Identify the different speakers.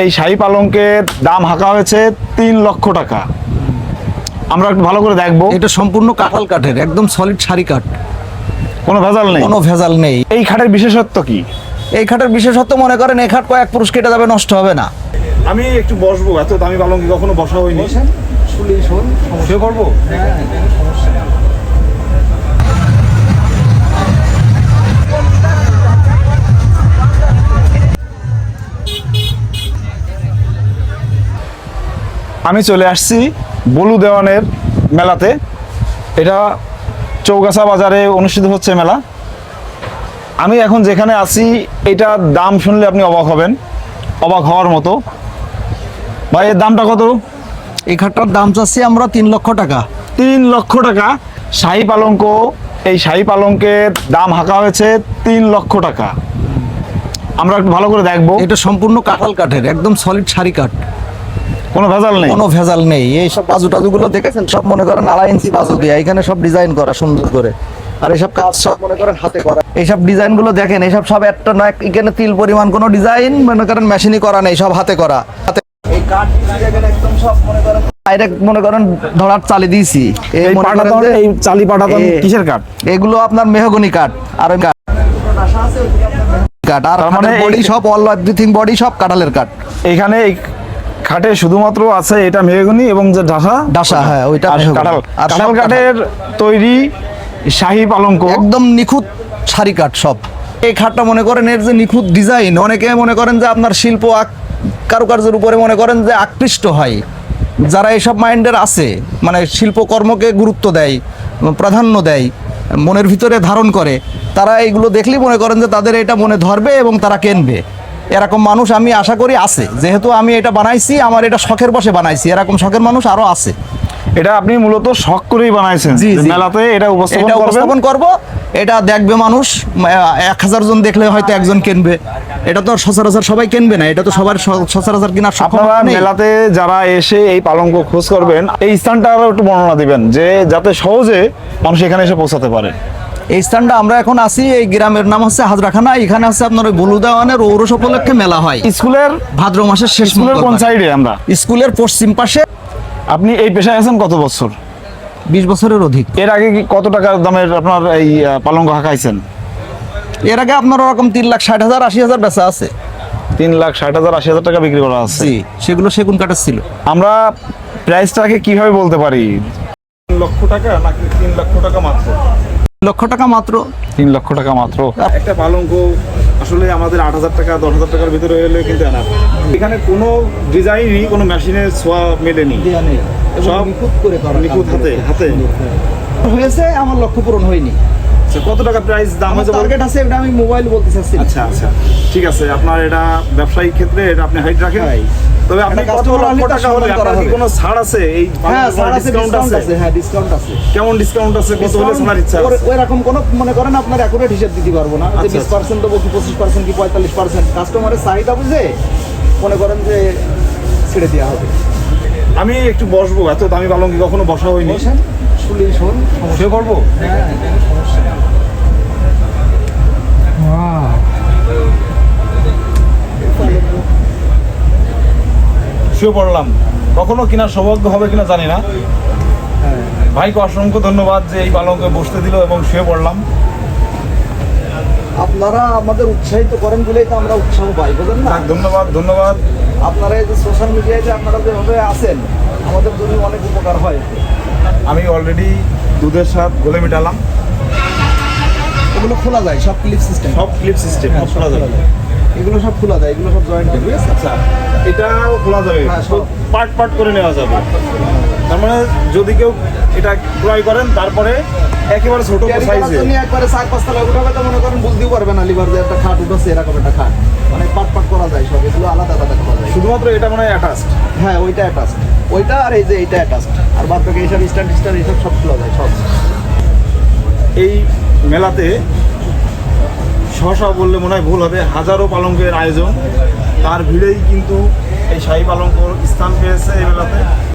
Speaker 1: এই শাহী পালঙ্কের দাম হাঁকা হয়েছে 3 লক্ষ টাকা। আমরা একটু ভালো করে দেখবো।
Speaker 2: এটা সম্পূর্ণ কাঁঠাল কাঠের, একদম সলিড সারি কাঠ,
Speaker 1: কোনো ভেজাল নেই।
Speaker 2: কোনো ভেজাল নেই।
Speaker 1: এই খাটের বিশেষত্ব কি?
Speaker 2: এই খাটের বিশেষত্ব মনে করেন এই খাট কয়েক পুরুষ কেটে যাবে, নষ্ট হবে না।
Speaker 1: আমি একটু বসবো, এত দামি পালঙ্কে কখনো বসা হয়নি। শুয়ে পড়বো। আমি চলে আসছি বলু দেওয়ানের মেলাতে। এটা চৌগাছা বাজারে অনুষ্ঠিত হচ্ছে মেলা। আমি এখন যেখানে আছি এটার দাম শুনলে আপনি অবাক হবেন, অবাক হওয়ার মতো। ভাই এর দামটা কত?
Speaker 2: এই খাটটার দাম চাচ্ছি আমরা 3 লক্ষ টাকা।
Speaker 1: 3 লক্ষ টাকা শাহী পালঙ্ক। এই শাহী পালঙ্কের দাম হাঁকা হয়েছে 3 লক্ষ টাকা। আমরা একটু ভালো করে দেখবো।
Speaker 2: এটা সম্পূর্ণ কাঁঠাল কাঠের, একদম সলিড সারি কাঠ,
Speaker 1: কোনো ভেজাল নেই।
Speaker 2: কোনো ভেজাল নেই। এই সব বাজু টাজুগুলো দেখেছেন, সব মনে করেন 2.5 ইঞ্চি বাজু দিয়ে এখানে সব ডিজাইন করা সুন্দর করে। আর এইসব কাজ সব মনে করেন হাতে করা। এইসব ডিজাইন গুলো দেখেন, এইসব সব একটা না এখানে তিল পরিমাণ কোনো ডিজাইন মনে করেন মেশিনই করা নেই, সব হাতে করা। হাতে এই কাঠ দেখেন একদম সব মনে করেন ডাইরেক্ট মনে করেন ধরার চালি দিয়েছি।
Speaker 1: এই পাটাতন, এই চালি পাটাতন কিসের কাঠ?
Speaker 2: এগুলো আপনার মেহগনি কাঠ। আর ওই কাঠ আর মানে বডি সব অল এভরিথিং বডি সব কাঁঠালের কাঠ।
Speaker 1: এখানে এই খাটে শুধুমাত্র আছে এটা মেহগনি এবং যে ডাসা,
Speaker 2: হ্যাঁ ওইটা
Speaker 1: কাঁঠাল। কাঁঠাল কাঠের তৈরি শাহী পালঙ্ক,
Speaker 2: একদম নিখুঁত সারি কাঠ সব। এই খাটটা মনে করেন এর যে নিখুঁত ডিজাইন, অনেকে মনে করেন যে আপনার শিল্প কারুকার্যের উপরে মনে করেন যে আকৃষ্ট হয়। যারা এইসব মাইন্ডের আছে, মানে শিল্পকর্মকে গুরুত্ব দেয়, প্রাধান্য দেয়, মনের ভিতরে ধারণ করে, তারা এইগুলো দেখলেই মনে করেন যে তাদের এটা মনে ধরবে এবং তারা কিনবে। এরকম মানুষ আমি আশা করি আছে। যেহেতু আমি এটা বানাইছি, আমার এটা শখের বশে বানাইছি, এরকম শখের মানুষ আরো আছে।
Speaker 1: এটা আপনি মূলত শখ করেই বানাইছেন। মেলাতে এটা উপস্থাপন
Speaker 2: করব, এটা দেখবে মানুষ। 1000 জন দেখলে হয়তো একজন কিনবে। এটা তো সচরাচর সবাই কিনবে না, এটা তো সবার সচরাচর কেনার
Speaker 1: আপনারা মেলাতে যারা এসে এই পালঙ্ক খোঁজ করবেন, এই স্থানটা আরো একটু বর্ণনা দিবেন, যে যাতে সহজে মানুষ এখানে এসে পৌঁছাতে পারে।
Speaker 2: এই স্থানটা আমরা এখন আছি, এই গ্রামের নাম হচ্ছে হাজরাখানা। এখানে আছে আপনার ওই বলু দেওয়ানের ঔরস উপলক্ষে মেলা হয়
Speaker 1: স্কুলের
Speaker 2: ভাদ্র মাসের শেষ।
Speaker 1: কোন সাইডে? আমরা
Speaker 2: স্কুলের পশ্চিম পাশে।
Speaker 1: আপনি এই পেশায় আছেন কত বছর?
Speaker 2: 20 বছরের অধিক।
Speaker 1: এর আগে কি কত টাকা দামের আপনার এই পালঙ্ক হাঁকাইছেন?
Speaker 2: এর আগে আপনার ওরকম 3,60,000 80,000 বেচা আছে।
Speaker 1: 3,60,000 80,000 টাকা বিক্রি করা আছে।
Speaker 2: সেগুলো সেগুন কাঠের ছিল।
Speaker 1: আমরা প্রাইসটাকে কিভাবে বলতে পারি? 3 লক্ষ টাকা নাকি 3 লক্ষ টাকা মাত্র?
Speaker 2: 3 লক্ষ টাকা মাত্র।
Speaker 1: 3 লক্ষ টাকা মাত্র। একটা পালঙ্ক আসলে আমাদের 8,000 টাকা 10,000 টাকার ভিতরে হলে কিন্তু আনা। এখানে কোনো ডিজাইনই কোনো মেশিনের ছোঁয়া মেলেনি, সব
Speaker 2: নিখুঁত করে করা,
Speaker 1: নিখুঁত হাতে
Speaker 2: হয়েছে। আমার লক্ষ্য পূরণ হয়নি।
Speaker 1: কত টাকা প্রাইস দাম হয়েছে?
Speaker 2: টার্গেট আছে, এটা আমি মোবাইল বলতে চাচ্ছি।
Speaker 1: আচ্ছা ঠিক আছে। আপনার এটা ব্যবসায়িক ক্ষেত্রে এটা আপনি হাইট রাখেন। তবে আপনি কত লক্ষ টাকা হলে আপনার কি কোনো ছাড় আছে? এই
Speaker 2: হ্যাঁ, ছাড় আছে, ডিসকাউন্ট আছে। হ্যাঁ, ডিসকাউন্ট আছে।
Speaker 1: কেমন ডিসকাউন্ট আছে? কত হলে ছাড়ার ইচ্ছা আছে?
Speaker 2: ওই রকম কোন মনে করেন আপনার একুরেট হিসাব দিতে পারবো না যে 20% দেবো কি 25% কি 45%। কাস্টমারের চাহিদা বুঝে মনে করেন যে ছেড়ে দেওয়া হবে।
Speaker 1: আমি একটু বসবো, এত দামি পালঙ্কে কখনো বসা হয়নি। শুয়ে পড়বো। শুয়ে পড়লাম। কখনো কিনা সৌভাগ্য হবে কিনা জানি না। ভাইকে অসংখ্য ধন্যবাদ যে এই পালঙ্কে বসতে দিল এবং শুয়ে পড়লাম।
Speaker 2: আপনারা আমাদের উৎসাহিত করেন বলেই তো আমরা উৎসাহ পাই, বুঝলেন না?
Speaker 1: ধন্যবাদ।
Speaker 2: আপনারা এই যে সোশ্যাল মিডিয়ায় যে আপনারা যেভাবে আছেন, আমাদের জন্য অনেক উপকার হয়।
Speaker 1: আমি অলরেডি দুধের স্বাদ গলে মিটালাম।
Speaker 2: এগুলো খোলা যায়, সব ক্লিপ সিস্টেম।
Speaker 1: সব খোলা যাবে।
Speaker 2: এগুলো সব খোলা যায়, এগুলো সব জয়েন্ট হবে।
Speaker 1: আচ্ছা, এটাও খোলা যাবে, পার্ট করে নেওয়া যাবে। তার মানে যদি কেউ এটা ক্রয় করেন তারপরে একেবারে ছোট সাইজে
Speaker 2: একবারে 4-5 তলা উঠাবে তো মনে করেন বুঝতেও পারবে না লিভার যে একটা খাট উঠেছে, এরকম একটা খাট। মানে পার্ট করা যায় সব, এগুলো আলাদা করা যায়।
Speaker 1: শুধুমাত্র এটা মানে অ্যাটাচড।
Speaker 2: হ্যাঁ, ওইটা অ্যাটাচড, ওইটা আর এই যে এইটা অ্যাটাচড। আর বাদ বাকি এইসব স্ট্যান্ড এইসব সব খোলা যায় সব।
Speaker 1: এই মেলাতে সহসা বললে মনে হয় ভুল হবে, হাজারো পালঙ্কের আয়োজন। তার ভিড়েই কিন্তু এই শাহী পালঙ্ক স্থান পেয়েছে এই মেলাতে।